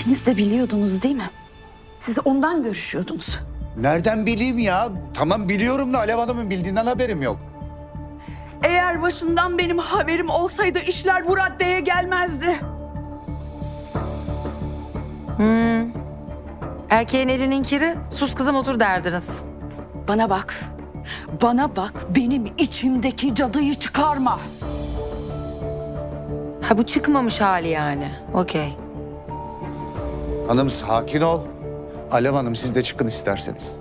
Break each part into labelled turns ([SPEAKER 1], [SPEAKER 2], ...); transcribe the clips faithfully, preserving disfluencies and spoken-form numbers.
[SPEAKER 1] İkiniz de biliyordunuz değil mi? Siz ondan görüşüyordunuz.
[SPEAKER 2] Nereden bileyim ya? Tamam biliyorum da Alev Hanım'ın bildiğinden haberim yok.
[SPEAKER 1] Eğer başından benim haberim olsaydı işler bu raddeye gelmezdi.
[SPEAKER 3] Erkeğin elinin kiri, sus kızım otur derdiniz.
[SPEAKER 1] Bana bak. Bana bak, benim içimdeki cadıyı çıkarma.
[SPEAKER 3] Ha bu çıkmamış hali yani. Okey.
[SPEAKER 2] Hanım sakin ol. Alev Hanım siz de çıkın isterseniz.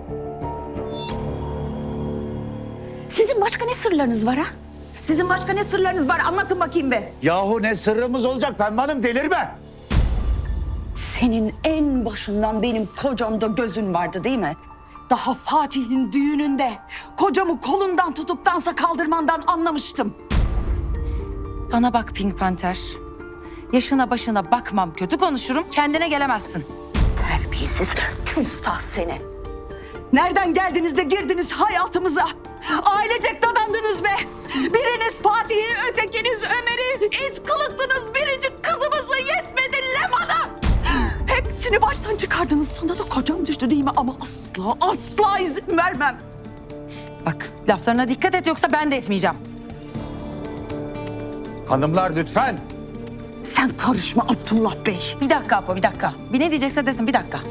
[SPEAKER 1] Sizin başka ne sırlarınız var ha? Sizin başka ne sırlarınız var? Anlatın bakayım be.
[SPEAKER 2] Yahu ne sırrımız olacak Pembe Hanım delirme.
[SPEAKER 1] Senin en başından benim kocamda gözün vardı değil mi? Daha Fatih'in düğününde kocamı kolundan tutup dansa kaldırmandan anlamıştım.
[SPEAKER 3] Bana bak Pink Panther. Yaşına başına bakmam, kötü konuşurum, kendine gelemezsin.
[SPEAKER 1] Terbiyesiz, küstah seni. Nereden geldiniz de girdiniz hayatımıza? Ailecek dadandınız be. Biriniz Fatih'i, ötekiniz Ömer'i, it kılıklınız biricik kızımızı yetmedi Leman'a. Hepsini baştan çıkardınız. Sana da kocam düştü değil mi? Ama asla, asla izin vermem.
[SPEAKER 3] Bak laflarına dikkat et yoksa ben de etmeyeceğim.
[SPEAKER 2] Hanımlar lütfen.
[SPEAKER 1] Sen karışma Abdullah Bey.
[SPEAKER 3] Bir dakika Apo, bir dakika. Bir ne diyecekse desin, bir dakika.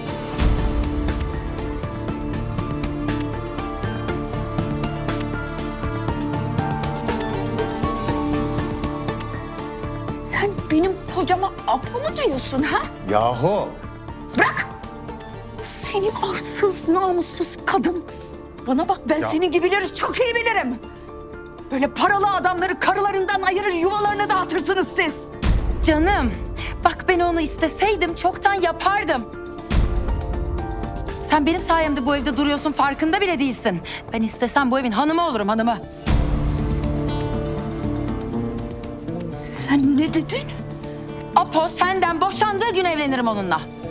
[SPEAKER 1] Sen benim kocama Apo mu diyorsun ha?
[SPEAKER 2] Yahu.
[SPEAKER 1] Bırak! Seni arsız, namussuz kadın. Bana bak ben
[SPEAKER 2] Ya.
[SPEAKER 1] senin gibileri çok iyi bilirim. Böyle paralı adamları karılarından ayırır yuvalarına dağıtırsınız siz.
[SPEAKER 3] Canım, bak ben onu isteseydim çoktan yapardım. Sen benim sayemde bu evde duruyorsun, farkında bile değilsin. Ben istesem bu evin hanımı olurum, hanımı.
[SPEAKER 1] Sen ne dedin?
[SPEAKER 3] Apo senden boşandığı gün evlenirim onunla.